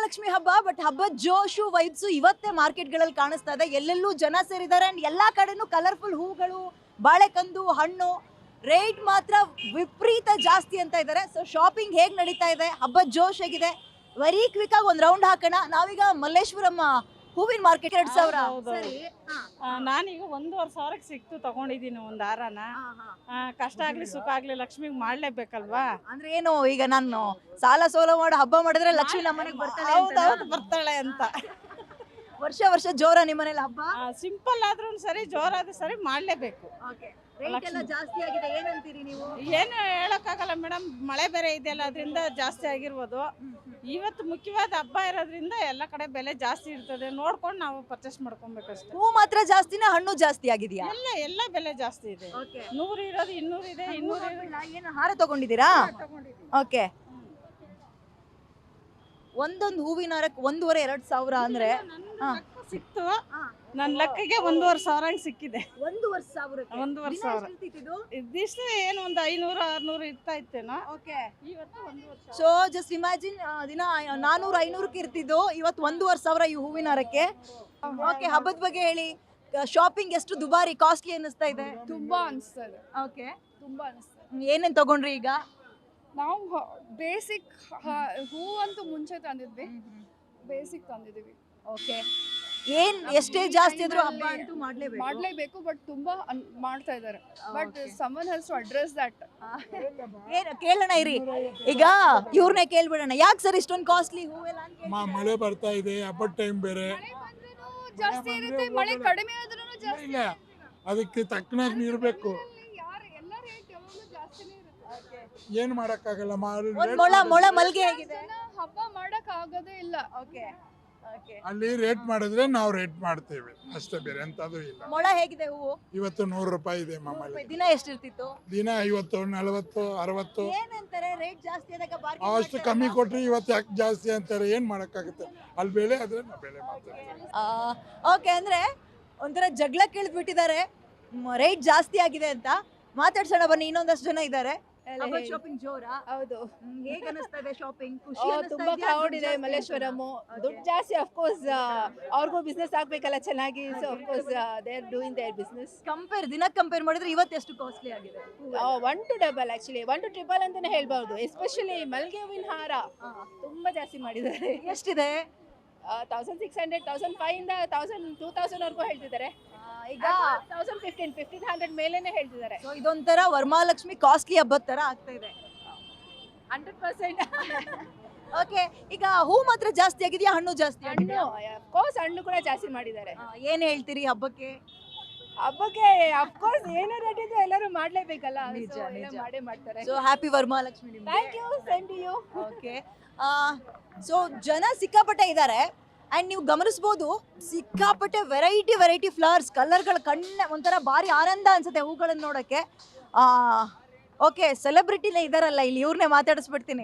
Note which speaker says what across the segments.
Speaker 1: ವರಮಹಾಲಕ್ಷ್ಮಿ ಹಬ್ಬ ಬಟ್ ಹಬ್ಬದ ಜೋಶು ವೈಬ್ಸು ಇವತ್ತೇ ಮಾರ್ಕೆಟ್ಗಳಲ್ಲಿ ಕಾಣಿಸ್ತಾ ಇದೆ. ಎಲ್ಲೆಲ್ಲೂ ಜನ ಸೇರಿದ್ದಾರೆ ಅಂಡ್ ಎಲ್ಲಾ ಕಡೆನೂ ಕಲರ್ಫುಲ್ ಹೂಗಳು, ಬಾಳೆಕಂದು, ಹಣ್ಣು. ರೇಟ್ ಮಾತ್ರ ವಿಪರೀತ ಜಾಸ್ತಿ ಅಂತ ಇದ್ದಾರೆ. ಸೊ ಶಾಪಿಂಗ್ ಹೇಗೆ ನಡೀತಾ ಇದೆ, ಹಬ್ಬದ ಜೋಶ್ ಹೇಗಿದೆ, ವೆರಿ ಕ್ವಿಕ್ ಆಗಿ ಒಂದು ರೌಂಡ್ ಹಾಕೋಣ. ನಾವೀಗ ಮಲ್ಲೇಶ್ವರಂ ಹೂವಿನ ಮಾರ್ಕೆಟ್ 2000 ಸರಿ.
Speaker 2: ನಾನೀಗ 1,500 ಸಿಕ್ತು ತಗೊಂಡಿದ್ದೀನಿ ಒಂದು ಹಾರನ. ಕಷ್ಟ ಆಗ್ಲಿ ಸುಖ ಆಗ್ಲಿ ಲಕ್ಷ್ಮಿಗೆ ಮಾಡ್ಲೇಬೇಕಲ್ವಾ.
Speaker 1: ಅಂದ್ರೆ ಏನು ಈಗ ನಾನು ಸಾಲ ಸೋಲ ಮಾಡಿ ಹಬ್ಬ ಮಾಡಿದ್ರೆ ಲಕ್ಷ್ಮಿ ನಮ್ಮನೆಗೆ ಬರ್ತಾಳೆ
Speaker 2: ಹೌದೌದು ಬರ್ತಾಳೆ ಅಂತ.
Speaker 1: ವರ್ಷ ವರ್ಷ ಜೋರ ನಿಮ್ಮನೇಲಿ ಹಬ್ಬ?
Speaker 2: ಸಿಂಪಲ್ ಆದ್ರೂ ಸರಿ, ಜೋರಾದ್ರೂ ಸರಿ ಮಾಡ್ಲೇಬೇಕು.
Speaker 1: ರೇಟ್ ಎಲ್ಲ ಜಾಸ್ತಿ ಆಗಿದೆ, ಏನಂತೀರಿ ನೀವು?
Speaker 2: ಏನು ಹೇಳಕ್ಕಾಗಲ್ಲ ಮೇಡಮ್, ಮಳೆ ಬೇರೆ ಇದೆಯಲ್ಲ ಅದರಿಂದ ಜಾಸ್ತಿ ಆಗಿರ್ಬೋದು. ಇವತ್ತು ಮುಖ್ಯವಾದ ಹಬ್ಬ ಇರೋದ್ರಿಂದ ಎಲ್ಲ ಕಡೆ ಬೆಲೆ ಜಾಸ್ತಿ ಇರ್ತದೆ, ನೋಡ್ಕೊಂಡು ನಾವು ಪರ್ಚೇಸ್ ಮಾಡ್ಕೊಬೇಕಷ್ಟೇ.
Speaker 1: ಹೂ ಮಾತ್ರ ಜಾಸ್ತಿನ, ಹಣ್ಣು ಜಾಸ್ತಿ ಆಗಿದೆಯಾ?
Speaker 2: ಎಲ್ಲ ಬೆಲೆ ಜಾಸ್ತಿ ಇದೆ. 100 ಇರೋದು 200 ಇದೆ, 200
Speaker 1: ಏನು ಹಾರ ತಗೊಂಡಿದ್ದೀರಾ? ಓಕೆ, ಒಂದೊಂದು ಹೂವಿನ ಹಾರಕ್ಕೆ 1,500-2,000 ಅಂದ್ರೆ
Speaker 2: ಸಿಕ್ತು. ನನ್ನ ಲೆಕ್ಕಗೆ 1,500 ಸಿಕ್ಕಿದೆ.
Speaker 1: 1,500?
Speaker 2: 1,500 ಇದಿಷ್ಟು ಏನು ಒಂದು 500-600 ಇರ್ತಾ ಇತ್ತೇನೋ. ಇವತ್ತು 1,500.
Speaker 1: ಸೊ ಜಸ್ಟ್ ಇಮ್ಯಾಜಿನ್, ದಿನ 400-500 ಇರ್ತಿದ್ದು, ಇವತ್ತು 1,500 ಈ ಹೂವಿನ ಹಾರಕ್ಕೆ. ಓಕೆ, ಹಬ್ಬದ ಬಗ್ಗೆ ಹೇಳಿ. ಶಾಪಿಂಗ್ ಎಷ್ಟು ದುಬಾರಿ, ಕಾಸ್ಟ್ಲಿ ಅನ್ನಿಸ್ತಾ ಇದೆ?
Speaker 3: ತುಂಬಾ ಅನಿಸ್ತದೆ.
Speaker 1: ಓಕೆ,
Speaker 3: ತುಂಬಾ ಅನಿಸ್ತದೆ.
Speaker 1: ಏನೇನ್ ತಗೊಂಡ್ರಿ ಈಗ?
Speaker 3: ನಾವು ಬೇಸಿಕ್ ಹೂ ಅಂತೂ ಮುಂಚೆ ತಂದಿದ್ವಿ, ಬೇಸಿಕ್ ತಂದಿದೀವಿ.
Speaker 1: ಓಕೆ, ಏನ್ ಎಷ್ಟೇ ಜಾಸ್ತಿ ಆದ್ರೂ ಹಬ್ಬ ಅಂತೂ
Speaker 3: ಮಾಡ್ಲೇಬೇಕು. ಬಟ್ ತುಂಬಾ ಮಾಡ್ತಾ ಇದ್ದಾರೆ. But someone has to address that.
Speaker 1: ಏನು ಕೇಳೋಣ ಇರಿ, ಈಗ ಇವ್ರನ್ನೇ ಕೇಳ್ಬಿಡೋಣ. ಯಾಕೆ ಸರ್ ಇಷ್ಟೊಂದು ಕಾಸ್ಟ್ಲಿ ಹೂವೆಲ್ಲ ಅಂತ?
Speaker 4: ಮಳೆ ಬರ್ತಾ ಇದೆ, ಹಬ್ಬದ ಟೈಮ್ ಬೇರೆ.
Speaker 3: ಜಾಸ್ತಿ ಇರುತ್ತೆ, ಮಳೆ ಕಡಿಮೆ ಆದ್ರೂ ಜಾಸ್ತಿ.
Speaker 4: ಇಲ್ಲ, ಅದಕ್ಕೆ ತಕ್ಕನಾಗಿ ನೀರು ಬೇಕು.
Speaker 3: ಎಲ್ಲ ರೇಟ್ ಯಾವಾಗಲೂ ಜಾಸ್ತಿನೇ ಇರುತ್ತೆ.
Speaker 4: ಏನು ಮಾಡಕ್ಕಾಗಲ್ಲ.
Speaker 1: ಮೊಳ ಮಲ್ಗೆ ಹೇಗಿದೆ?
Speaker 3: ಹಬ್ಬ ಮಾಡಕ್ ಆಗೋದೇ ಇಲ್ಲ.
Speaker 1: ಓಕೆ,
Speaker 4: ಅಲ್ಲಿ ರೇಟ್ ಮಾಡಿದ್ರೆ ನಾವು ರೇಟ್ ಮಾಡ್ತೇವೆ ಅಷ್ಟೇ, ಬೇರೆ ಎಂತದು ಇಲ್ಲ.
Speaker 1: ಮೊಳ ಹೇಗಿದೆ ಹೂವು?
Speaker 4: ಇವತ್ತು 100 ರೂಪಾಯಿ ಇದೆ ಮಾಮೂಲಿ.
Speaker 1: ದಿನ ಎಷ್ಟಿರ್ತಿತ್ತು?
Speaker 4: ದಿನ 50, 40, 60.
Speaker 1: ಏನಂತಾರೆ ರೇಟ್ ಜಾಸ್ತಿ ಆದಾಗ
Speaker 4: ಅಷ್ಟು ಕಮ್ಮಿ ಕೊಟ್ರೆ ಇವತ್ತು ಯಾಕೆ ಜಾಸ್ತಿ ಅಂತಾರೆ, ಏನ್ ಮಾಡಕ್ಕಾಗುತ್ತೆ? ಅಲ್ಲಿ ಬೆಲೆ ಆದ್ರೆ ನಾವು ಬೆಲೆ ಮಾಡ್ತೇವೆ.
Speaker 1: ಓಕೆ, ಅಂದ್ರೆ ಒಂಥರ ಜಗಳ ಕೇಳಿದ್ಬಿಟ್ಟಿದ್ದಾರೆ, ರೇಟ್ ಜಾಸ್ತಿ ಆಗಿದೆ ಅಂತ. ಮಾತಾಡ್ಸೋಣ ಬನ್ನಿ, ಇನ್ನೊಂದಷ್ಟು ಜನ ಇದ್ದಾರೆ. ಶಾಪಿಂಗ್ ಜೋರಾ?
Speaker 5: ಹೌದು.
Speaker 1: ಹೇಗೆ ಅನಿಸ್ತಾ ಇದೆ ಶಾಪಿಂಗ್? ಖುಷಿ
Speaker 5: ತುಂಬಾ ಕ್ರೌಡ್ ಇದೆ ಮಲ್ಲೇಶ್ವರಂ. ದುಡ್ಡು ಜಾಸ್ತಿ, ಆಫ್ ಕೋರ್ಸ್ ಅವ್ರಿಗೂ ಬಿಸ್ನೆಸ್ ಆಗ್ಬೇಕಲ್ಲ ಚೆನ್ನಾಗಿ. So of course they are doing their business.
Speaker 1: Compare ಮಾಡಿದ್ರೆ ಇವತ್ತು ಎಷ್ಟು ಕಾಸ್ಟ್ಲಿ ಆಗಿದೆ?
Speaker 5: 1 to double actually, 1 to triple ಅಂತಾನೆ ಹೇಳ್ಬಹುದು. ಎಸ್ಪೆಷಲಿ ಮಲ್ಗೆ ಹೂವಿನ ಹಾರ ತುಂಬಾ ಜಾಸ್ತಿ ಮಾಡಿದ್ದಾರೆ.
Speaker 1: ಎಷ್ಟಿದೆ?
Speaker 5: 1,600, 1,500 1000, 2,000 ವರ್ಗೂ ಹೇಳ್ತಿದ್ದಾರೆ.
Speaker 1: ಈಗ
Speaker 5: 1,500 ಮೇಲೇನೆ ಹೇಳ್ತಿದ್ದಾರೆ.
Speaker 1: ಸೊ ಇದೊಂಥರ ವರಮಹಾಲಕ್ಷ್ಮಿ ಕಾಸ್ಟ್ಲಿ ಹಬ್ಬದ ತರ ಆಗ್ತಾ ಇದೆ.
Speaker 5: 100%.
Speaker 1: ಓಕೆ, ಈಗ ಹೂ ಮಾತ್ರ ಜಾಸ್ತಿ ಆಗಿದೆಯಾ, ಹಣ್ಣು ಜಾಸ್ತಿ ಆಗಿದೆಯಾ?
Speaker 5: ಆಫ್ ಕೋರ್ಸ್ ಹಣ್ಣು ಕೂಡ ಜಾಸ್ತಿ ಮಾಡಿದ್ದಾರೆ.
Speaker 1: ಏನ್ ಹೇಳ್ತೀರಿ ಹಬ್ಬಕ್ಕೆ?
Speaker 5: ಆಫ್ ಕೋರ್ಸ್ ಏನೇ ರೇಟ್ ಇದೆ ಎಲ್ಲರೂ ಮಾಡ್ಲೇಬೇಕಲ್ಲ, ಮಾಡೇ ಮಾಡ್ತಾರೆ.
Speaker 1: ಸೊ ಹ್ಯಾಪಿ ವರಮಹಾಲಕ್ಷ್ಮಿ ನಿಮ್ಗೆ.
Speaker 5: Thank you, same to you.
Speaker 1: Okay, so ಜನ ಸಿಕ್ಕಾಪಟ್ಟೆ ಇದ್ದಾರೆ ಅಂಡ್ ನೀವು ಗಮನಿಸಬಹುದು, ಸಿಕ್ಕಾಪಟ್ಟೆ ವೆರೈಟಿ ಫ್ಲವರ್ಸ್, ಕಲರ್ಗಳ ಕಣ್ಣ ಒಂಥರ ಭಾರಿ ಆನಂದ ಅನ್ಸುತ್ತೆ ಹೂಗಳನ್ನ ನೋಡಕ್ಕೆ. ಓಕೆ, ಸೆಲೆಬ್ರಿಟಿನೇ ಇದಾರಲ್ಲ ಇಲ್ಲಿ, ಇವ್ರನ್ನೇ ಮಾತಾಡಿಸ್ಬಿಡ್ತೀನಿ.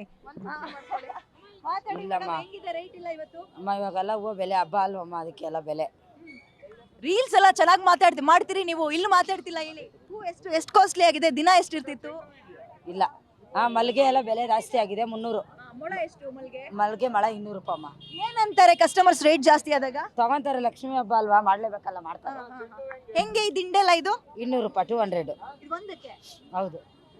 Speaker 1: ಹೆಂಗಿದೆ ರೇಟ್ ಇಲ್ಲ ಇವತ್ತು?
Speaker 6: ಅಮ್ಮ ಇವಾಗೆಲ್ಲ ಹೂವು ಬೆಲೆ ಹಬ್ಬ ಅಲ್ವಮ್ಮ, ಅದಕ್ಕೆಲ್ಲ ಬೆಲೆ.
Speaker 1: ರೀಲ್ಸ್ ಎಲ್ಲ ಚೆನ್ನಾಗಿ ಮಾಡ್ತೀರಿ ನೀವು, ಇಲ್ಲಿ ಮಾತಾಡ್ತಿಲ್ಲ. ಇಲ್ಲಿ ಹೂ ಎಷ್ಟು ಕಾಸ್ಟ್ಲಿ ಆಗಿದೆ, ದಿನ ಎಷ್ಟಿರ್ತಿತ್ತು?
Speaker 6: ಇಲ್ಲ, ಮಲ್ಲಿಗೆ ಎಲ್ಲ ಬೆಲೆ ಜಾಸ್ತಿ ಆಗಿದೆ. 300.
Speaker 1: ಮೊಳ ಎಷ್ಟು ಮಲ್ಗೆ?
Speaker 6: ಮಲ್ಲಿಗೆ ಮಳ 200 ರೂಪಾಯಿ ಅಮ್ಮ.
Speaker 1: ಏನಂತಾರೆ ಕಸ್ಟಮರ್ಸ್ ರೇಟ್ ಜಾಸ್ತಿ ಆದಾಗ?
Speaker 6: ತಗೊಂತಾರೆ, ಲಕ್ಷ್ಮಿ ಹಬ್ಬ ಅಲ್ವಾ, ಮಾಡ್ಲೇಬೇಕಲ್ಲ, ಮಾಡ್ತಾರೆ.
Speaker 1: ಹೆಂಗೆ ಈ ದಿಂಡೆಲ್ಲ ಇದು?
Speaker 6: 200 ರೂಪಾಯಿ, 200.
Speaker 1: ಒಂದಕ್ಕೆ?
Speaker 6: ಹೌದು.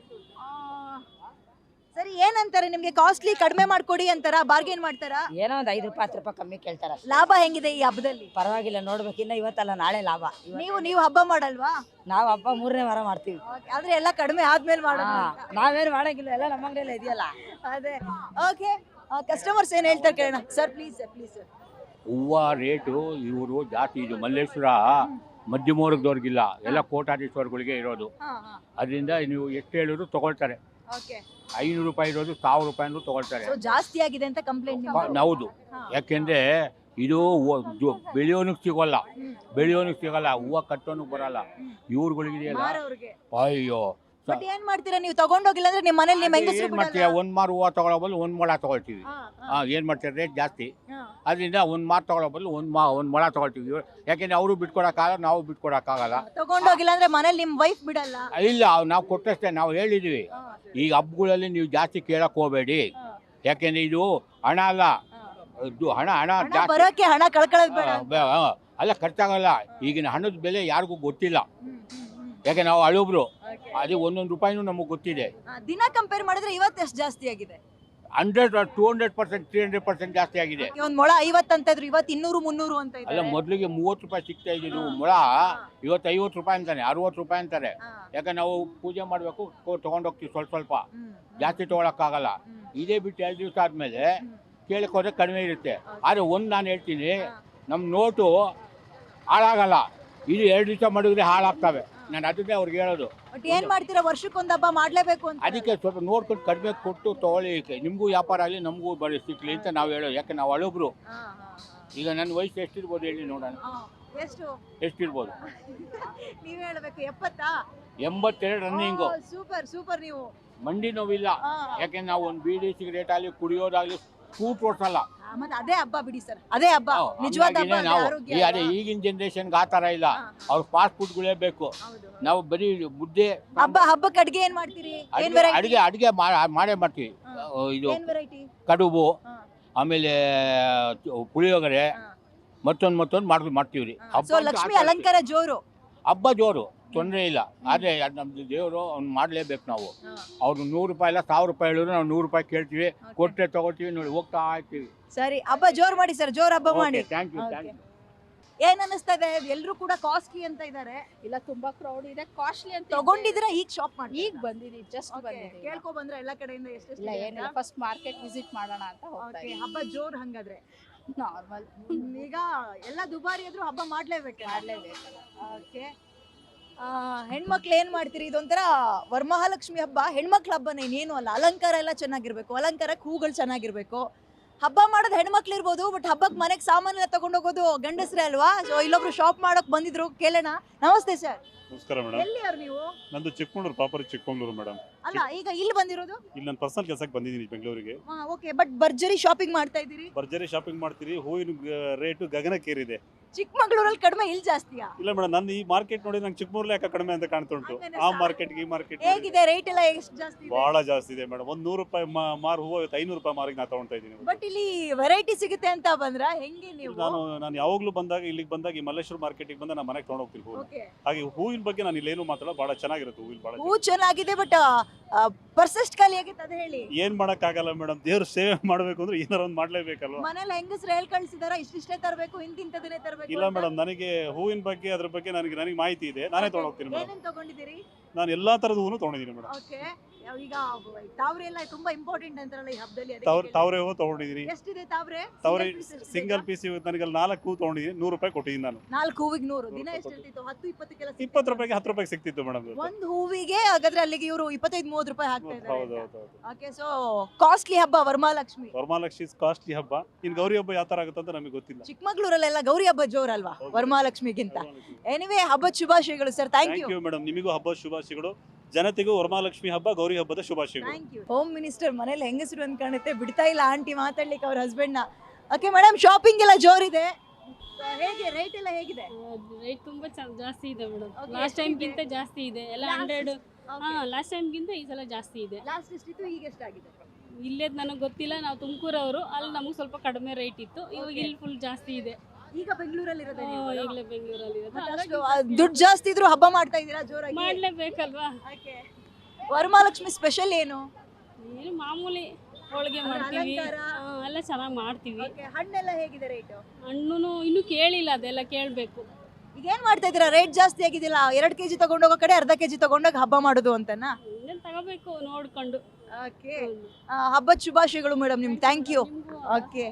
Speaker 1: ಸರಿ, ಏನಂತಾರೆ ನಿಮ್ಗೆ? ಕಾಸ್ಟ್ಲಿ ಕಡಿಮೆ ಮಾಡ್ಕೊಡಿ ಅಂತಾರ, ಬಾರ್ಗೇನ್ ಮಾಡ್ತಾರಾ?
Speaker 6: ಏನೋ ಒಂದು 5 ರೂಪಾಯಿ 10 ರೂಪಾಯಿ ಕಮ್ಮಿ ಕೇಳ್ತಾರ.
Speaker 1: ಲಾಭ ಹೆಂಗಿದೆ ಈ ಹಬ್ಬದಲ್ಲಿ?
Speaker 6: ಪರವಾಗಿಲ್ಲ, ನೋಡ್ಬೇಕು. ಇನ್ನ ಇವತ್ತಲ್ಲ ನಾಳೆ ಲಾಭ.
Speaker 1: ನೀವು ಹಬ್ಬ ಮಾಡಲ್ವಾ?
Speaker 6: ನಾವು ಹಬ್ಬ 3ನೇ ವಾರ ಮಾಡ್ತೀವಿ.
Speaker 1: ಆದ್ರೆ ಎಲ್ಲ ಕಡಿಮೆ ಆದ್ಮೇಲೆ ಮಾಡೋದು.
Speaker 6: ನಾವೇನು ಮಾಡಂಗಿಲ್ಲ, ಎಲ್ಲ ನಮ್ಮ ಅಂಗಡಿಯಲ್ಲ ಇದೆಯಲ್ಲ.
Speaker 1: ಅದೇ. ಓಕೆ, ಕಸ್ಟಮರ್ಸ್ ಏನ್ ಹೇಳ್ತಾರೆ ಕೇಳೋಣ. Sir please sir.
Speaker 7: ಹೂವು ರೇಟು ಇವರು ಜಾಸ್ತಿ. ಇದು ಮಲ್ಲೇಶ್ವರ ಮಧ್ಯಮ ವರ್ಗದವ್ರಿಗಿಲ್ಲ, ಎಲ್ಲ ಕೋಟ್ಯಾಧೀಶ್ವರಗಳಿಗೆ ಇರೋದು. ಅದರಿಂದ ನೀವು ಎಷ್ಟು ಹೇಳಿದ್ರು ತಗೊಳ್ತಾರೆ. 500 ರೂಪಾಯಿ ಇರೋದು 1000 ರೂಪಾಯಿ ತಗೊಳ್ತಾರೆ.
Speaker 1: ಜಾಸ್ತಿ ಆಗಿದೆ ಅಂತ ಕಂಪ್ಲೇಂಟ್?
Speaker 7: ಹೌದು, ಯಾಕೆಂದ್ರೆ ಇದು ಬೆಳೆಯೋನಿಗೆ ಸಿಗಲ್ಲ, ಹೂವು ಕಟ್ಟೋನಿಗೆ ಬರಲ್ಲ. ಇವ್ರುಗಳಿದೆಯಲ್ಲ, ಅಯ್ಯೋ.
Speaker 1: ಬಟ್ ಏನ್ ಮಾಡ್ತೀರಾ ನೀವು? ತಗೊಂಡೋಗಿಲ್ಲ ಅಂದ್ರೆ ನಿಮ್ಮ ಮನೇಲಿ ನಿಮ್ಮ ಹೆಂಗಸರು
Speaker 7: ಏನ್ ಮಾಡ್ತೀರಾ? 1 ಮಾರು ಹೂವು ತಗೊಳ್ಳೋ ಬದಲು 1 ಮೊಳ ತಗೊಳ್ತೀವಿ. ಏನ್ ಮಾಡ್ತೀರಾ, ರೇಟ್ ಜಾಸ್ತಿ. ಅದರಿಂದ 1 ಮಾರು ತಗೊಳ್ಳೋ ಬದಲು 1 ಮೊಳ ತಗೊಳ್ತೀವಿ. ಯಾಕೆಂದ್ರೆ ಅವರು ಬಿಟ್ಕೊಡಕ್ಕಾಗಲ್ಲ, ನಾವು ಬಿಟ್ಕೊಡಕ್ಕಾಗಲ್ಲ.
Speaker 1: ತಗೊಂಡೋಗಿಲ್ಲ ಅಂದ್ರೆ ಮನೇಲಿ ನಿಮ್ ವೈಫ್ ಬಿಡಲ್ಲ?
Speaker 7: ಇಲ್ಲ, ನಾವು ಕೊಟ್ಟಷ್ಟೇ. ನಾವು ಹೇಳಿದೀವಿ, ಈಗ ಹಬ್ಬಗಳಲ್ಲಿ ನೀವು ಜಾಸ್ತಿ ಕೇಳಕ್ ಹೋಗಬೇಡಿ. ಯಾಕೆಂದ್ರೆ ಇದು ಹಣ ಅಲ್ಲ, ಇದು ಹಣ ಹಣ
Speaker 1: ಹಣ
Speaker 7: ಜಾಸ್ತಿ
Speaker 1: ಬರೋಕೆ ಹಣ ಕಳ್ಕೊಳ್ಳೋದು ಬೇಡ ಅಂತ.
Speaker 7: ಅಲ್ಲ ಖರ್ಚಾಗಲ್ಲ. ಈಗಿನ ಹಣದ ಬೆಲೆ ಯಾರಿಗೂ ಗೊತ್ತಿಲ್ಲ,
Speaker 1: ಹ್ಮ್, ಹ್ಮ್, ಹ್ಮ್.
Speaker 7: ಯಾಕೆ ನಾವು ಹಳಬ್ರು.
Speaker 1: Okay.
Speaker 7: ಅದೇ ಒಂದೊಂದು ರೂಪಾಯಿನೂ ನಮಗೆ ಗೊತ್ತಿದೆ.
Speaker 1: ದಿನ ಕಂಪೇರ್ ಮಾಡಿದ್ರೆ ಇವತ್ತು ಎಷ್ಟು ಜಾಸ್ತಿ ಆಗಿದೆ?
Speaker 7: 100 200% 300% ಜಾಸ್ತಿ ಆಗಿದೆ.
Speaker 1: ಒಂದ್ ಮೊಳ 50 ಅಂತ ಇದ್ರು, ಇವತ್ತು 200 300 ಅಂತ
Speaker 7: ಅಲ್ಲ,
Speaker 1: ಇದೆ.
Speaker 7: ಮೊದಲಿಗೆ 30 ರೂಪಾಯಿ ಸಿಗ್ತಾ ಇದ್ದಿದ್ದು ಮೊಳ, ಇವತ್ತು 50 ರೂಪಾಯಿ ಅಂತಾನೆ, 60 ರೂಪಾಯಿ ಅಂತಾರೆ. ಯಾಕೆ ನಾವು ಪೂಜೆ ಮಾಡಬೇಕು, ತೊಗೊಂಡೋಗ್ತೀವಿ ಸ್ವಲ್ಪ ಸ್ವಲ್ಪ, ಜಾಸ್ತಿ ತೊಗೊಳಕ್ಕಾಗಲ್ಲ. ಇದೇ ಬಿಟ್ಟು 2 ದಿವಸ ಆದಮೇಲೆ ಕೇಳಕ್ಕೆ ಕಡಿಮೆ ಇರುತ್ತೆ. ಆದರೆ ಒಂದು ನಾನು ಹೇಳ್ತೀನಿ, ನಮ್ಮ ನೋಟು ಹಾಳಾಗಲ್ಲ. ಇದು 2 ದಿವಸ ಮಾಡಿದ್ರೆ ಹಾಳಾಗ್ತವೆ. ನಾನು ಅದನ್ನೇ ಅವ್ರಿಗೆ ಹೇಳೋದು.
Speaker 1: ಬಟ್ ಏನ್ ಮಾಡ್ತೀರಾ, ವರ್ಷಕ್ಕೊಂದ್ ಹಬ್ಬ ಮಾಡ್ಲೇಬೇಕು ಅಂತ.
Speaker 7: ಅದಕ್ಕೆ ಸ್ವಲ್ಪ ನೋಡ್ಕೊಂಡು ಕಡಿಮೆ ಕೊಟ್ಟು ತೊಗೊಳ್ಳಿ, ನಿಮಗೂ ವ್ಯಾಪಾರ ಆಗಲಿ ನಮಗೂ ಬರೀ ಸಿಕ್ಲಿ ಅಂತ ನಾವು ಹೇಳೋದು. ಯಾಕೆ ನಾವು ಹಳಬ್ರು. ಈಗ ನನ್ನ ವಯಸ್ಸು ಎಷ್ಟಿರ್ಬೋದು ಹೇಳಿ ನೋಡೋಣ,
Speaker 1: ಎಷ್ಟು
Speaker 7: ಎಷ್ಟಿರ್ಬೋದು?
Speaker 1: ನೀವ್ ಹೇಳ್ಬೇಕು. 70?
Speaker 7: 82 ರನ್ನಿಂಗು.
Speaker 1: Super super. ನೀವು
Speaker 7: ಮಂಡಿ ನೋವಿಲ್ಲ. ಯಾಕೆ ನಾವು ಒಂದು ಬೀಡಿ ಸಿಗರೇಟ್ ಆಗಲಿ ಕುಡಿಯೋದಾಗಲಿ ಸ್ಕೂಟ್ ಓಡಿಸಲ್ಲ.
Speaker 1: ಮತ್ತೆ ಅದೇ ಹಬ್ಬ ಬಿಡಿ ಸರ್, ಅದೇ ಹಬ್ಬ, ನಿಜವಾದ ಹಬ್ಬ. ಅದೇ
Speaker 7: ನಾವು
Speaker 1: ಆರೋಗ್ಯ
Speaker 7: ಅದೇ ಈಗಿನ ಜನರೇಷನ್ಗೆ ಆ ಥರ ಇಲ್ಲ. ಅವ್ರು ಫಾಸ್ಟ್ ಫುಡ್ಗಳೇ ಬೇಕು. ನಾವು ಬರೀ ಮುದ್ದೆ
Speaker 1: ಹಬ್ಬಕ್ಕೆ ಅಡ್ಗೆ ಏನ್ ಮಾಡ್ತೀರಿ? ಏನ್ ವೆರೈಟಿ?
Speaker 7: ಅಡಿಗೆ ಮಾಡೇ ಮಾಡ್ತೀವಿ. ಇದು
Speaker 1: ಏನ್ ವೆರೈಟಿ?
Speaker 7: ಕಡುಬು, ಆಮೇಲೆ ಪುಳಿಯೋಗರೆ, ಮತ್ತೊಂದು ಮಾಡ್ತೀವಿ ರೀ.
Speaker 1: ಸೊ ಲಕ್ಷ್ಮಿ ಅಲಂಕಾರ ಜೋರು.
Speaker 7: ಹಬ್ಬ ಜೋರು, ತೊಂದರೆ ಇಲ್ಲ. ಆದರೆ ನಮ್ದು ದೇವರು ಅವ್ನು ಮಾಡಲೇಬೇಕು ನಾವು. ಅವ್ರು 100 ರೂಪಾಯಿ ಇಲ್ಲ 1000 ರೂಪಾಯಿ ಹೇಳಿದ್ರು ನಾವು 100 ರೂಪಾಯಿ ಕೇಳ್ತೀವಿ, ಕೊಟ್ಟರೆ ತಗೋತೀವಿ, ನೋಡಿ ಹೋಗ್ತಾ ಇರ್ತೀವಿ.
Speaker 1: ಸರಿ, ಹಬ್ಬ ಜೋರ್ ಮಾಡಿ ಸರ್, ಜೋರ್ ಹಬ್ಬ ಮಾಡಿ.
Speaker 7: Thank you.
Speaker 1: ಏನ್ ಅನಿಸ್ತಾ ಇದೆ? ಎಲ್ರು ಕೂಡ ಕಾಸ್ಟ್ಲಿ ಅಂತ ಇದಾರೆ.
Speaker 3: ಇಲ್ಲ, ತುಂಬಾ ಕ್ರೌಡ್ ಇದೆ, ಕಾಸ್ಟ್ಲಿ ಅಂತ
Speaker 1: ತಗೊಂಡಿದ್ರೆ ಈಗ ಶಾಪ್ ಮಾಡಿ
Speaker 3: ಈಗ ಬಂದಿದ್ದೀನಿ, ಜಸ್ಟ್ ಬಂದಿದ್ದೀನಿ.
Speaker 1: ಕೇಳ್ಕೊ ಬಂದ್ರೆ ಎಲ್ಲ ಕಡೆಯಿಂದ
Speaker 3: ಇಲ್ಲ,
Speaker 1: ಎಷ್ಟೆಷ್ಟು
Speaker 3: ಏನಿಲ್ಲ, ಫಸ್ಟ್ ಮಾರ್ಕೆಟ್ ವಿಸಿಟ್ ಮಾಡೋಣ ಅಂತ ಹೋಗ್ತಾ ಇದ್ದೀನಿ.
Speaker 1: ಹಬ್ಬ ಜೋರ್ ಹಂಗಾದ್ರೆ.
Speaker 3: ನಾರ್ಮಲ್
Speaker 1: ಈಗ ಎಲ್ಲ ದುಬಾರಿ ಆದ್ರೂ ಹಬ್ಬ ಮಾಡ್ಲೇಬೇಕು. ಓಕೆ, ಹೆಣ್ಮಕ್ಳು ಏನ್ ಮಾಡ್ತೀರಿ? ಇದೊಂಥರ ವರಮಹಾಲಕ್ಷ್ಮಿ ಹಬ್ಬ, ಹೆಣ್ಮಕ್ಳ ಹಬ್ಬನೇ, ಇನ್ನೇನು ಅಲ್ಲ. ಅಲಂಕಾರ ಎಲ್ಲ ಚೆನ್ನಾಗಿರ್ಬೇಕು, ಅಲಂಕಾರಕ್ಕೆ ಹೂಗಳು ಚೆನ್ನಾಗಿರ್ಬೇಕು. ಹಬ್ಬ ಮಾಡೋದು ಹೆಣ್ಮಕ್ಳು ಇರ್ಬೋದು, ಬಟ್ ಹಬ್ಬಕ್ಕೆ ಮನೆಗೆ ಸಾಮಾನೆಲ್ಲ ತಗೊಂಡೋಗೋದು ಗಂಡಸ್ರೇ ಅಲ್ವಾ? ಸೊ ಇಲ್ಲೊಬ್ರು ಶಾಪ್ ಮಾಡೋಕೆ ಬಂದಿದ್ರು, ಕೇಳೋಣ. ನಮಸ್ತೆ ಸರ್.
Speaker 8: ನಮಸ್ಕಾರ ಮೇಡಮ್.
Speaker 1: ಎಲ್ಲಿ ಅವ್ರು ನೀವು?
Speaker 8: ನಂದು ಚಿಕ್ಕಮಗಳೂರು, ಪ್ರಾಪರ್ ಚಿಕ್ಕಮಗಳೂರು ಮೇಡಮ್.
Speaker 1: ಅಲ್ಲ, ಈಗ ಇಲ್ಲಿ ಬಂದಿರೋದು?
Speaker 8: ಇಲ್ಲಿ ನಾನು ಪರ್ಸನಲ್ ಕೆಲಸಕ್ಕೆ ಬಂದಿದ್ದೀನಿ ಬೆಂಗಳೂರಿಗೆ.
Speaker 1: ಓಕೆ, ಬಟ್ ಭರ್ಜರಿ ಶಾಪಿಂಗ್ ಮಾಡ್ತಾ ಇದ್ದೀರಿ?
Speaker 8: ಭರ್ಜರಿ ಶಾಪಿಂಗ್ ಮಾಡ್ತೀರಿ. ಹೂವಿನ ರೇಟು ಗಗನಕ್ಕೇರಿದೆ.
Speaker 1: ಚಿಕ್ಕಮಗಳೂರಲ್ಲಿ ಕಡಿಮೆ, ಇಲ್ಲಿ ಜಾಸ್ತಿಯಾ?
Speaker 8: ಇಲ್ಲ ಮೇಡಮ್, ನಾನು ಈ ಮಾರ್ಕೆಟ್ ನೋಡಿ ನಂಗೆ ಚಿಕ್ಕಮಗಳೂರು ಯಾಕೆ ಕಡಿಮೆ ಅಂತ ಕಾಣ್ತುಂಟು. ಆ ಮಾರ್ಕೆಟ್ಗೆ ಈ ಮಾರ್ಕೆಟ್
Speaker 1: ಹೇಗಿದೆ ರೇಟ್ ಎಲ್ಲ? ಎಷ್ಟು ಜಾಸ್ತಿ ಇದೆ?
Speaker 8: ಬಹಳ ಜಾಸ್ತಿ ಇದೆ ಮೇಡಮ್. ಒಂದು 100 ರೂಪಾಯಿ ಮಾರು ಹೂವು 500 ರೂಪಾಯಿ ಮಾರಿಗೆ ನಾನು ತಗೊಳ್ತಾ ಇದ್ದೀನಿ.
Speaker 1: ಬಟ್ ಇಲ್ಲಿ ವೆರೈಟಿ ಸಿಗುತ್ತೆ ಅಂತ ಬಂದ್ರ ಹೆಂಗೆ ನೀವು?
Speaker 8: ನಾನು ಯಾವಾಗಲೂ ಬಂದಾಗ ಇಲ್ಲಿಗೆ ಬಂದಾಗ ಈ ಮಲ್ಲೇಶ್ವರ ಮಾರ್ಕೆಟ್ಗೆ ಬಂದ ನಾನು ಮನೆಗೆ ತಗೊಂಡು ಹೋಗ್ತೀನಿ ಹೂವು.
Speaker 1: ಓಕೆ,
Speaker 8: ಹಾಗೆ ಹೂವಿನ ಬಗ್ಗೆ ನಾನು ಇಲ್ಲೇನು ಮಾತಾಡೋ, ಬಹಳ ಚೆನ್ನಾಗಿರುತ್ತೆ ಹೂವಿನ. ಬಹಳ
Speaker 1: ಹೂ ಚೆನ್ನಾಗಿದೆ, ಬಟ್ ಪರ್ಸೆಸ್ಟ್ ಖಾಲಿ ಆಗಿತ್ತು, ಅದ ಹೇಳಿ.
Speaker 8: ಏನ್ ಮಾಡಕ್ಕಾಗಲ್ಲ ಮೇಡಮ್, ದೇವ್ರ ಸೇವೆ ಮಾಡ್ಬೇಕು ಅಂದ್ರೆ ಏನಾರ ಒಂದು ಮಾಡ್ಲೇಬೇಕಲ್ವಾ.
Speaker 1: ಮನೇಲಿ ಹೆಂಗಸ್ರು ಹೇಳ್ ಕಳ್ಸಿದಾರ, ಇಷ್ಟಿಷ್ಟೇ ತರಬೇಕು, ಇಂತಿಂತದನ್ನೇ ತರಬೇಕು?
Speaker 8: ಇಲ್ಲ ಮೇಡಮ್, ನನಗೆ ಹೂವಿನ ಬಗ್ಗೆ ಅದ್ರ ಬಗ್ಗೆ ನನಗೆ ಮಾಹಿತಿ ಇದೆ. ನಾನೇ ತಗೊಂಡು ಹೋಗ್ತೀನಿ ಮೇಡಮ್.
Speaker 1: ಏನೇನ್ ತಗೊಂಡಿದ್ದೀರಿ?
Speaker 8: ನಾನು ಎಲ್ಲಾ ತರದ ಹೂವು ತಗೊಂಡಿದ್ದೀನಿ ಮೇಡಮ್.
Speaker 1: ಓಕೆ, ಈಗ ತಾವ್ರೆ ಎಲ್ಲ ತುಂಬಾ ಇಂಪಾರ್ಟೆಂಟ್ ಅಂತಾರಲ್ಲ ಈ ಹಬ್ಬದಲ್ಲಿ,
Speaker 8: ತಾವ್ರೆ ಹೂವು ತಗೊಂಡಿದ್ದೀನಿ.
Speaker 1: ಎಷ್ಟಿದೆ ತಾವ್ರೆ?
Speaker 8: ಸಿಂಗಲ್ ಪೀಸ್ ನನಗೆ 4 ಹೂ ತಗೊಂಡಿದ್ದೀನಿ. 100 ರೂಪಾಯಿ ಕೊಟ್ಟಿದ್ದೀನಿ ನಾನು.
Speaker 1: 4 ಹೂವಿಗೆ 100. ದಿನ ಎಷ್ಟಿರ್ತಿತ್ತು? 10-20 ಕೆಲಸ?
Speaker 8: 20 ರೂಪಾಯಿಗೆ 10 ರೂಪಾಯಿಗೆ ಸಿಕ್ತಿತ್ತು ಮೇಡಮ್.
Speaker 1: ಒಂದು ಹೂವಿಗೆ ಹಾಗಾದ್ರೆ ಅಲ್ಲಿಗೆ ಇವರು 25-30 ರೂಪಾಯಿ ಹಾಕ್ತಾ
Speaker 8: ಹೌದು
Speaker 1: ಇದ್ದಾರೆ.
Speaker 8: ಹೌದು ಹೌದು.
Speaker 1: ಓಕೆ, ಸೊ ಕಾಸ್ಟ್ಲಿ ಹಬ್ಬ ವರಮಹಾಲಕ್ಷ್ಮಿ.
Speaker 8: ವರಮಹಾಲಕ್ಷ್ಮಿ ಕಾಸ್ಟ್ಲಿ ಹಬ್ಬ. ಇನ್ನು ಗೌರಿ ಹಬ್ಬ ಯಾವ ತರ ಆಗುತ್ತೆ ಅಂತ ನಮಗೆ ಗೊತ್ತಿಲ್ಲ.
Speaker 1: ಚಿಕ್ಕಮಗಳೂರಲ್ಲೆಲ್ಲ ಗೌರಿ ಹಬ್ಬ ಜೋರಲ್ವಾ ವರಮಹಾಲಕ್ಷ್ಮಿಗಿಂತ? ಎನಿವೇ, ಹಬ್ಬದ ಶುಭಾಶಯಗಳು ಸರ್. Thank you
Speaker 8: madam. ನಿಮಗೂ ಹಬ್ಬದ ಶುಭಾಶಯಗಳು. ಜನತೆಗೂ ವರಮಹಾಲಕ್ಷ್ಮಿ ಹಬ್ಬ, ಗೌರಿ ಹಬ್ಬದ ಶುಭಾಶಯಗಳು.
Speaker 1: Thank you. ಹೋಮ್ ಮಿನಿಸ್ಟರ್ ಮನೇಲಿ ಹೆಂಗಸರು ಅಂತ ಕಾಣುತ್ತೆ, ಬಿಡ್ತಾ ಇಲ್ಲ ಆಂಟಿ ಮಾತಾಡ್ಲಿಕ್ಕೆ ಅವ್ರ ಹಸ್ಬೆಂಡ್ ನ. ಓಕೆ ಮೇಡಮ್, ಶಾಪಿಂಗ್ ಎಲ್ಲ ಜೋರಿದೆ. ಹೇಗೆ ರೇಟ್ ಎಲ್ಲ ಹೇಗಿದೆ?
Speaker 9: ರೇಟ್ ತುಂಬಾ ಜಾಸ್ತಿ ಇದೆ ಮೇಡಮ್.
Speaker 1: Okay,
Speaker 9: ಲಾಸ್ಟ್ ಟೈಮ್
Speaker 1: ಎಷ್ಟಿದೆ?
Speaker 9: ಗಿಂತ ಜಾಸ್ತಿ ಇದೆ ಎಲ್ಲ. 100. ಲಾಸ್ಟ್ ಟೈಮ್ ಗಿಂತ ಈ ಸಲ ಜಾಸ್ತಿ ಇದೆ.
Speaker 1: ಲಾಸ್ಟ್ ಎಷ್ಟಿತ್ತು, ಈಗ ಎಷ್ಟಾಗಿದೆ?
Speaker 9: ಇಲ್ಲೇ ನನಗೆ ಗೊತ್ತಿಲ್ಲ, ನಾವು ತುಮಕೂರವರು, ಅಲ್ಲಿ ನಮಗೆ ಸ್ವಲ್ಪ ಕಡಿಮೆ ರೇಟ್ ಇತ್ತು. ಇವಾಗ ಇಲ್ಲಿ ಫುಲ್ ಜಾಸ್ತಿ ಇದೆ.
Speaker 1: ಈಗ ಬೆಂಗಳೂರಲ್ಲಿ ಇರೋದೇ ನೀವು?
Speaker 9: ಈಗಲೇ ಬೆಂಗಳೂರಲ್ಲಿ ಇರೋದು.
Speaker 1: ಅಷ್ಟು ದುಡ್ಡು ಜಾಸ್ತಿ ಇದ್ರು ಹಬ್ಬ ಮಾಡ್ತಾ ಇದ್ದೀರಾ ಜೋರಾಗಿ?
Speaker 9: ಮಾಡ್ಲೇಬೇಕಲ್ವಾ.
Speaker 1: ವರಮಹಾಲಕ್ಷ್ಮಿ ಸ್ಪೆಷಲ್ ಏನು?
Speaker 9: ಏನು ಮಾಮೂಲಿ ಹೋಳಿಗೆ ಮಾಡ್ತೀವಿ,
Speaker 1: ಅಲಂಕಾರ?
Speaker 9: ಎಲ್ಲ ಚೆನ್ನಾಗಿ ಮಾಡ್ತೀವಿ.
Speaker 1: ಹಣ್ಣೆಲ್ಲ ಹೇಗಿದೆ ರೇಟು?
Speaker 9: ಹಣ್ಣು ಇನ್ನೂ ಕೇಳಿಲ್ಲ, ಅದೆಲ್ಲ ಕೇಳಬೇಕು.
Speaker 1: ಈಗ ಏನ್ ಮಾಡ್ತಾ ಇದ್ದೀರಾ? ರೇಟ್ ಜಾಸ್ತಿ ಆಗಿದಿಲ್ಲ? 2 kg ತಗೊಂಡೋಗೋ ಕಡೆ ಅರ್ಧ kg ತಗೊಂಡೋಗಿ ಹಬ್ಬ ಮಾಡೋದು ಅಂತನಾ?
Speaker 9: ಇನ್ನೇನು ತಗೋಬೇಕು ನೋಡ್ಕೊಂಡು.
Speaker 1: ಓಕೆ, ಹಬ್ಬದ ಶುಭಾಶಯಗಳು ಮೇಡಮ್ ನಿಮ್ಗೆ. Thank you. ಓಕೆ,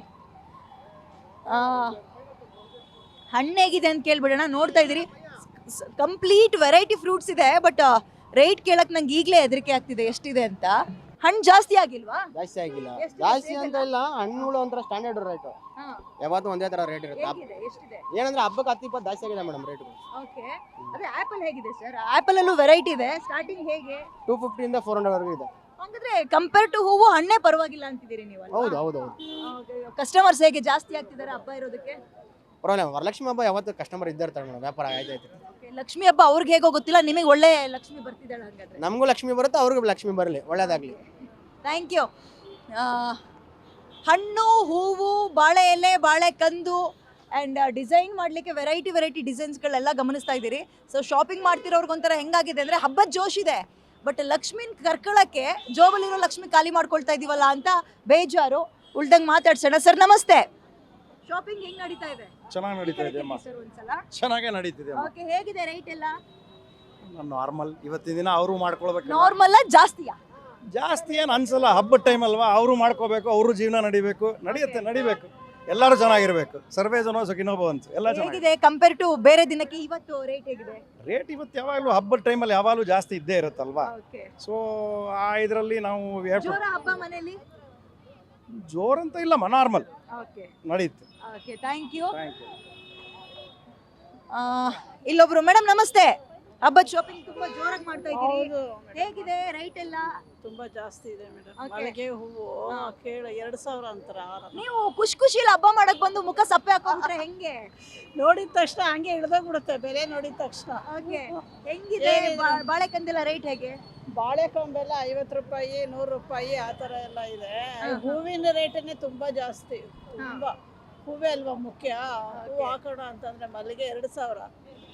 Speaker 1: ಹಣ್ಣು ಹೇಗಿದೆ ಅಂತ ಕೇಳ್ಬಿಡೋಣ. ನೋಡ್ತಾ ಇದ್ದೀರಿ, ಕಂಪ್ಲೀಟ್ ವೆರೈಟಿ ಫ್ರೂಟ್ಸ್ ಇದೆ, ಬಟ್ ರೇಟ್ ಕೇಳಕ್ ನಂಗೆ ಈಗಲೇ ಹೆದರಿಕೆ ಆಗ್ತಿದೆ ಎಷ್ಟಿದೆ ಅಂತ. ಹಣ್ಣು ಜಾಸ್ತಿ ಆಗಿಲ್ವಾ?
Speaker 10: ಜಾಸ್ತಿ ಆಗಿಲ್ಲ.
Speaker 1: ಎಷ್ಟು
Speaker 10: ಜಾಸ್ತಿ
Speaker 1: rate
Speaker 10: ಅಂತ ಇಲ್ಲ, ಹಣ್ಣುಗಳು ಒಂಥರ ಸ್ಟ್ಯಾಂಡರ್ಡ್ ರೇಟ್.
Speaker 1: ಹಾ.
Speaker 10: ಯಾವತ್ತೂ ಒಂದೇ ತರ ರೇಟ್ ಇರುತ್ತೆ.
Speaker 1: ಹೇಗಿದೆ? ಎಷ್ಟಿದೆ?
Speaker 10: ಏನಂದ್ರೆ ಹಬ್ಬಕ್ಕೆ 10-20 ಜಾಸ್ತಿ ಆಗಿದೆ ಮೇಡಮ್ ರೇಟ್.
Speaker 1: ಓಕೆ, ಅದೇ ಆಪಲ್ ಹೇಗಿದೆ ಸರ್? ಆಪಲ್ ಅಲ್ಲೂ ವೆರೈಟಿ ಇದೆ. ಸ್ಟಾರ್ಟಿಂಗ್ ಹೇಗೆ?
Speaker 10: 250 ಇಂದ 400 ವರೆಗೂ ಇದೆ.
Speaker 1: ಹಂಗಾದ್ರೆ ಕಂಪೇರ್ ಟು ಹೂವು ಹಣ್ಣೇ ಪರವಾಗಿಲ್ಲ ಅಂತಿದ್ದೀರಿ ನೀವು?
Speaker 10: ಹೌದು ಹೌದು ಹೌದು.
Speaker 1: ಕಸ್ಟಮರ್ಸ್ ಹೇಗೆ ಜಾಸ್ತಿ ಆಗ್ತಿದ್ದಾರೆ ಹಬ್ಬ ಇರೋದಕ್ಕೆ?
Speaker 10: ಪರವಾಗಿಲ್ಲ, ವರಲಕ್ಷ್ಮಿ ಹಬ್ಬ ಯಾವತ್ತು ಕಸ್ಟಮರ್ ಇದ್ದೇ ಇರ್ತಾರೆ ಮೇಡಮ್. ವ್ಯಾಪಾರ ಆಯ್ತಾಯ್ತು.
Speaker 1: ಲಕ್ಷ್ಮಿ ಹಬ್ಬ ಅವ್ರಿಗೆ ಹೇಗೋ ಗೊತ್ತಿಲ್ಲ, ನಿಮಗೆ ಒಳ್ಳೆ ಲಕ್ಷ್ಮಿ ಬರ್ತಿದ್ದಾಳೆ ಹಂಗಾದ್ರೆ.
Speaker 10: ನಮಗೂ ಲಕ್ಷ್ಮಿ ಬರುತ್ತೆ, ಅವ್ರಿಗೂ ಲಕ್ಷ್ಮಿ ಬರಲಿ, ಒಳ್ಳೇದಾಗ್ಲಿ.
Speaker 1: Thank you. ಹಣ್ಣು, ಹೂವು, ಬಾಳೆ ಎಲೆ, ಬಾಳೆ ಕಂದು ಆ್ಯಂಡ್ ಡಿಸೈನ್ ಮಾಡಲಿಕ್ಕೆ ವೆರೈಟಿ ಡಿಸೈನ್ಸ್ಗಳೆಲ್ಲ ಗಮನಿಸ್ತಾ ಇದ್ದೀರಿ. ಸೊ ಶಾಪಿಂಗ್ ಮಾಡ್ತಿರೋರ್ಗೊಂಥರ ಹೆಂಗಾಗಿದೆ ಅಂದರೆ ಹಬ್ಬದ ಜೋಶ್ ಇದೆ, ಬಟ್ ಲಕ್ಷ್ಮಿನ ಕರ್ಕೊಳ್ಳೋಕ್ಕೆ ಜೋಬಲ್ಲಿರೋ ಲಕ್ಷ್ಮಿ ಖಾಲಿ ಮಾಡ್ಕೊಳ್ತಾ ಇದೀವಲ್ಲ ಅಂತ ಬೇಜಾರು. ಉಳ್ದಂಗೆ ಮಾತಾಡ್ಸೋಣ. ಸರ್ ನಮಸ್ತೆ. ಶಾಪಿಂಗ್ ಹೆಂಗ್ ನಡೀತಾ ಇದೆ?
Speaker 11: ಚೆನ್ನಾಗಿ ನಡೀತಾ ಇದೆ ಅಮ್ಮ,
Speaker 1: ಸರ್ ಒಂದ್ಸಲ.
Speaker 11: ಚೆನ್ನಾಗೇ ನಡೀತಿದೆ ಅಮ್ಮ.
Speaker 1: ಓಕೆ, ಹೇಗಿದೆ ರೈಟ್ ಎಲ್ಲ?
Speaker 11: ನಾರ್ಮಲ್. ಇವತ್ತಿನ ದಿನ ಅವರು ಮಾಡ್ಕೊಳ್ಬೇಕು.
Speaker 1: ನಾರ್ಮಲ್ ಜಾಸ್ತಿಯಾ?
Speaker 11: ಜಾಸ್ತಿ ಏನು ಅನ್ಸಲ್ಲ, ಹಬ್ಬದ ಟೈಮ್ ಅಲ್ವಾ, ಅವರು ಮಾಡ್ಕೋಬೇಕು, ಅವರು ಜೀವನ ನಡಿಬೇಕು, ನಡಿಬೇಕು. ಎಲ್ಲರೂ ಚೆನ್ನಾಗಿರ್ಬೇಕು. ಸರ್ವೇ ಜನ ಸುಖಿನೋ ಭವಂತು. ಎಲ್ಲ ಚೆನ್ನಾಗಿದೆ.
Speaker 1: ಹೇಗಿದೆ ಕಂಪೇರ್ ಟು ಬೇರೆ ದಿನಕ್ಕೆ ಇವತ್ತು ರೇಟ್ ಹೇಗಿದೆ?
Speaker 11: ರೇಟ್ ಇವತ್ತು ಯಾವಾಗಲೂ ಹಬ್ಬದ ಟೈಮಲ್ಲಿ ಯಾವಾಗಲೂ ಜಾಸ್ತಿ ಇದ್ದೇ ಇರುತ್ತಲ್ವಾ.
Speaker 1: ಓಕೆ.
Speaker 11: ಸೊ ಆ ಇದರಲ್ಲಿ ನಾವು
Speaker 1: ಜೋರ ಹಬ್ಬ ಮನೆಯಲ್ಲಿ?
Speaker 11: ಜೋರಂತ ಇಲ್ಲಮ್ಮ, ನಾರ್ಮಲ್
Speaker 1: ಓಕೆ
Speaker 11: ನಡೀತು.
Speaker 1: Okay, thank you.
Speaker 11: Thank you.
Speaker 1: ಇಲ್ಲೊಬ್ರು ಮೇಡಮ್ ನಮಸ್ತೆ. ಹಬ್ಬದ ಶಾಪಿಂಗ್ ತುಂಬಾ ಜೋರಾಗಿ ಮಾಡ್ತಾ ಇದ್ದೀರಿ,
Speaker 2: ಹೌದು
Speaker 1: ಹೇಗಿದೆ ರೈಟ್ ಎಲ್ಲ?
Speaker 2: ತುಂಬಾ ಜಾಸ್ತಿ ಇದೆ ಮೇಡಮ್.
Speaker 1: Okay.
Speaker 2: ಮಲ್ಲಿಗೆ ಹೂವು ಕೇಳ 2000 ಅಂತಾರ.
Speaker 1: ನೀವು ಖುಷಿಯಲ್ಲಿ ಹಬ್ಬ ಮಾಡಕ್ ಬಂದು ಮುಖ ಸಪ್ಪೆ ಹಾಕೊಂಡ್ರೆ ಹೆಂಗೆ?
Speaker 2: ನೋಡಿದ ತಕ್ಷಣ ಹಂಗೆ ಇಳ್ದೋಗ್ಬಿಡುತ್ತೆ ಬೆಲೆ ನೋಡಿದ ತಕ್ಷಣ.
Speaker 1: ಓಕೆ, ಹೆಂಗಿದೆ
Speaker 2: ಏನಿದೆ?
Speaker 1: ಬಾಳೆಕಂದೆಲ್ಲ ರೇಟ್ ಹೇಗೆ?
Speaker 2: ಬಾಳೆಕೊಂಬೆಲ್ಲ 50 ರೂಪಾಯಿ, 100 ರೂಪಾಯಿ ಆ ಥರ ಎಲ್ಲ ಇದೆ. ಹೂವಿನ ರೇಟನ್ನೇ ತುಂಬಾ ಜಾಸ್ತಿ. ತುಂಬಾ ಹೂವೇ ಅಲ್ವಾ ಮುಖ್ಯ. ಹೂವು ಹಾಕೋಣ ಅಂತಂದ್ರೆ ಮಲ್ಲಿಗೆ 2000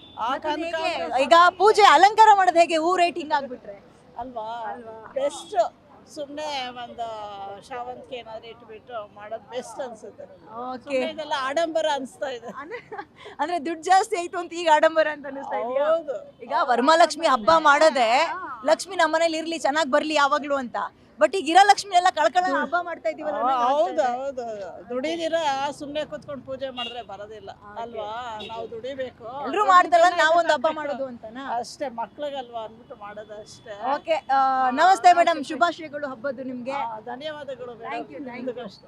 Speaker 1: ಈಗ ಪೂಜೆ ಅಲಂಕಾರ ಮಾಡೋದು ಹೇಗೆ? ಹೂ ರೇಟ್ ಹಿಂಗಾಗ್ಬಿಟ್ರೆ
Speaker 2: ಅಲ್ವಾ ಬೆಸ್ಟ್. ಸುಮ್ಮನೆ ಒಂದು ಶಾವಂತಿಗೆ ಏನಾದ್ರು ಇಟ್ಬಿಟ್ಟು ಮಾಡೋದು ಬೆಸ್ಟ್ ಅನ್ಸುತ್ತೆ.
Speaker 1: ಓಕೆ,
Speaker 2: ಇದೆಲ್ಲ ಆಡಂಬರ ಅನಿಸ್ತಾ ಇದೆ.
Speaker 1: ಅಂದ್ರೆ ದುಡ್ಡು ಜಾಸ್ತಿ ಆಯ್ತು ಅಂತ ಈಗ ಆಡಂಬರ ಅಂತ ಅನಿಸ್ತಾ ಇದೆಯಾ?
Speaker 2: ಹೌದು.
Speaker 1: ಈಗ ವರಮಹಾಲಕ್ಷ್ಮಿ ಹಬ್ಬ ಮಾಡೋದೇ ಲಕ್ಷ್ಮಿ ನಮ್ಮನೇಲಿ ಇರ್ಲಿ, ಚೆನ್ನಾಗಿ ಬರ್ಲಿ ಯಾವಾಗ್ಲೂ ಅಂತ. ಬಟ್ ಈಗ ಇರೋ ಲಕ್ಷ್ಮಿ ಎಲ್ಲ ಕಳ್ಕೊಳ್ಳೋ ಹಬ್ಬ ಮಾಡ್ತಾ ಇದೀವಲ್ಲ ಅನ್ನೋದು
Speaker 2: ಹೌದು
Speaker 1: ಅನ್ಸ್ತಾ ಇದೆ.
Speaker 2: ಹೌದು. ದುಡಿದಿರ ಸುಮ್ನೆ ಕೂತ್ಕೊಂಡು ಪೂಜೆ ಮಾಡಿದ್ರೆ ಬರೋದಿಲ್ಲ ಅಲ್ವಾ. ನಾವು ದುಡಿಬೇಕು.
Speaker 1: ಎಲ್ರು ಮಾಡ್ದಲ್ಲ ನಾವೊಂದು ಹಬ್ಬ ಮಾಡೋದು ಅಂತನಾ?
Speaker 2: ಅಷ್ಟೇ, ಮಕ್ಳಿಗಲ್ವಾ ಅಂದ್ಬಿಟ್ಟು ಮಾಡೋದು ಅಷ್ಟೇ.
Speaker 1: ಓಕೆ, ನಮಸ್ತೆ ಮೇಡಮ್, ಶುಭಾಶಯಗಳು ಹಬ್ಬದ್ದು ನಿಮ್ಗೆ.
Speaker 2: ಧನ್ಯವಾದಗಳು
Speaker 1: Thank you, thank you.
Speaker 2: ಅಷ್ಟೇ.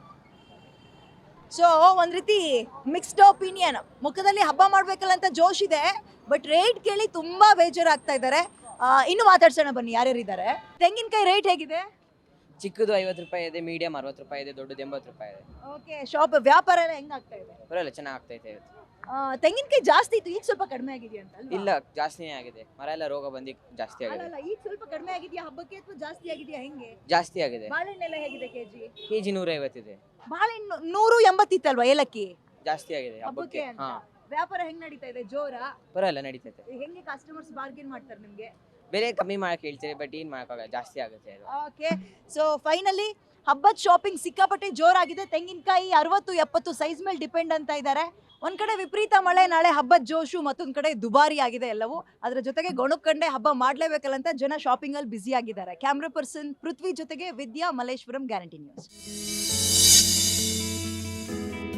Speaker 1: ಸೊ ಒಂದ್ ರೀತಿ ಮಿಕ್ಸ್ಡ್ ಒಪಿನಿಯನ್. ಮುಖದಲ್ಲಿ ಹಬ್ಬ ಮಾಡ್ಬೇಕಲ್ಲ ಅಂತ ಜೋಶ್ ಇದೆ, ಬಟ್ ರೇಟ್ ಕೇಳಿ ತುಂಬಾ ಬೇಜಾರಾಗ್ತಾ ಇದ್ದಾರೆ. ಇನ್ನು ಮಾತಾಡ್ಸೋಣ ಬನ್ನಿ ಯಾರ್ಯಾರಿದ್ದಾರೆ. ತೆಂಗಿನಕಾಯಿ ರೇಟ್ ಹೇಗಿದೆ?
Speaker 12: ಚಿಕ್ಕದು 50 ರೂಪಾಯಿ ಇದೆ, ಮೀಡಿಯಂ 60 ರೂಪಾಯಿ ಇದೆ, ದೊಡ್ಡದು 80 ರೂಪಾಯಿ ಇದೆ.
Speaker 1: ಓಕೆ, ಶಾಪ್ ವ್ಯಾಪಾರ ಎಲ್ಲ ಹೆಂಗಾಗ್ತಾ ಇದೆ?
Speaker 12: ಬರಲ್ಲ, ಚೆನ್ನಾಗಿ ಆಗ್ತೈತೆ ಇವತ್ತು.
Speaker 1: ತೆಂಗಿನಕಾಯಿ ಜಾಸ್ತಿ ಇತ್ತು, ಈಗ ಸ್ವಲ್ಪ ಕಡಿಮೆ ಆಗಿದೆಯಾ ಅಂತ ಅಲ್ವಾ?
Speaker 12: ಇಲ್ಲ, ಜಾಸ್ತಿನೇ ಆಗಿದೆ. ಮರ ಎಲ್ಲ ರೋಗ ಬಂದು ಜಾಸ್ತಿ ಆಗಿದೆ.
Speaker 1: ಅಲ್ಲ, ಈಗ ಸ್ವಲ್ಪ ಕಡಿಮೆ ಆಗಿದೆಯಾ ಹಬ್ಬಕ್ಕೆ ಅಥವಾ ಜಾಸ್ತಿ ಆಗಿದೆಯಾ ಹೆಂಗೆ?
Speaker 12: ಜಾಸ್ತಿ ಆಗಿದೆ.
Speaker 1: ಬಾಳೆಹಣ್ಣೆಲ್ಲ ಹೇಗಿದೆ ಕೆಜಿ?
Speaker 12: ಕೆಜಿ 150 ಇದೆ.
Speaker 1: ಬಾಳೆಹಣ್ಣು 180 ಇತ್ತಲ್ವಾ ಏಲಕ್ಕಿ?
Speaker 12: ಜಾಸ್ತಿ ಆಗಿದೆ
Speaker 1: ಹಬ್ಬಕ್ಕೆ
Speaker 12: ಹಬ್ಬಕ್ಕೆ.
Speaker 1: ಅಂತ.
Speaker 12: ಹಾ,
Speaker 1: ವ್ಯಾಪಾರ ಹೆಂಗ್ ನಡೀತಾ ಇದೆ? ಜೋರ?
Speaker 12: ಬರಲ್ಲ, ನಡೀತೈತೆ.
Speaker 1: ಹೆಂಗೆ ಕಸ್ಟಮರ್ಸ್ ಬಾರ್ಗೇನ್ ಮಾಡ್ತಾರೆ ನಿಮ್ಗೆ?
Speaker 12: ಬೆಲೆ ಕಮ್ಮಿ ಮಾಡಕ್ಕೆ ಹೇಳ್ತೀರಿ, ಬಟ್ ಏನ್ ಮಾಡಕ್ಕಾಗಲ್ಲ, ಜಾಸ್ತಿ ಆಗುತ್ತೆ ಅದು.
Speaker 1: ಓಕೆ, ಸೊ ಫೈನಲಿ ಹಬ್ಬದ ಶಾಪಿಂಗ್ ಸಿಕ್ಕಾಪಟ್ಟೆ ಜೋರಾಗಿದೆ. ತೆಂಗಿನಕಾಯಿ 60-70 ಸೈಜ್ ಮೇಲೆ ಡಿಪೆಂಡ್ ಅಂತ ಇದ್ದಾರೆ. ಒಂದ್ ಕಡೆ ವಿಪರೀತ ಮಳೆ, ನಾಳೆ ಹಬ್ಬದ ಜೋಶು, ಮತ್ತೊಂದ್ ಕಡೆ ದುಬಾರಿ ಆಗಿದೆ ಎಲ್ಲವೂ. ಅದ್ರ ಜೊತೆಗೆ ಗೊಣಕ್ಕಂಡೆ ಹಬ್ಬ ಮಾಡ್ಲೇಬೇಕಲ್ಲ ಅಂತ ಜನ ಶಾಪಿಂಗ್ ಅಲ್ಲಿ ಬ್ಯುಸಿ ಆಗಿದ್ದಾರೆ. ಕ್ಯಾಮ್ರಾ ಪರ್ಸನ್ ಪೃಥ್ವಿ ಜೊತೆಗೆ ವಿದ್ಯಾ, ಮಲ್ಲೇಶ್ವರಂ, ಗ್ಯಾರಂಟಿ ನ್ಯೂಸ್.